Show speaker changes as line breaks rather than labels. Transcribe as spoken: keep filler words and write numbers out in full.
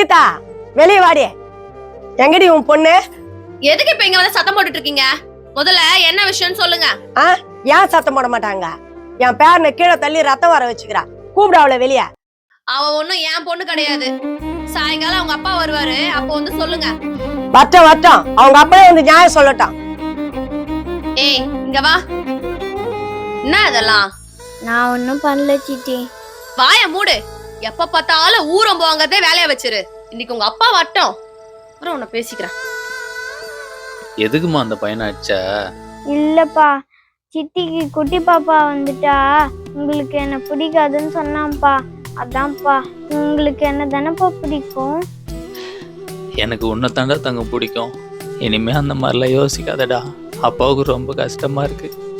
கீதா வெளியே வாடி. எங்கடி உன் பொண்ணு?
எதுக்கு இப்ப இங்க வந்து சத்தம் போட்டுட்டு இருக்கீங்க? முதல்ல என்ன விஷயம்னு சொல்லுங்க.
ஆ ஏன் சத்தம் போட மாட்டாங்க? என் பேரனை கீழே தள்ளி ரத்தம் வர வச்சுக்கிறா. கூப்பிட அவளை வெளியே.
அவ ஒண்ணும் என் பொண்ணு கிடையாது. சாயங்காலம் அவங்க அப்பா வருவாரு, அப்போ வந்து சொல்லுங்க.
வட்டம் வட்டம் அவங்க அப்பவே வந்து நியாயம் சொல்லட்டும்.
ஏய் இங்க வா. என்ன இதெல்லாம்?
நான் ஒன்னும் பண்ணல சித்தி.
வாய மூடு. எப்ப பார்த்தாலும் ஊரம் போவாங்கதே வேலைய வச்சிரு. இன்னைக்கு உங்க அப்பா வட்டம். அப்புறம் உன்னை பேசிக்கிறேன்.
எதுக்குமா அந்த பையனை அடிச்சா?
இல்லப்பா, சித்திக்கு குட்டி பாப்பா வந்துட்டா உங்களுக்கு என்ன பிடிக்காதுன்னு சொன்னான்ப்பா. அதான்ப்பா. உங்களுக்கு என்ன தானப்பா பிடிக்கும்?
எனக்கு உன்னை தாண்டா தங்க பிடிக்கும். இனிமே அந்த மாதிரிலாம் யோசிக்காதடா. அப்பாவுக்கு ரொம்ப கஷ்டமா இருக்கு.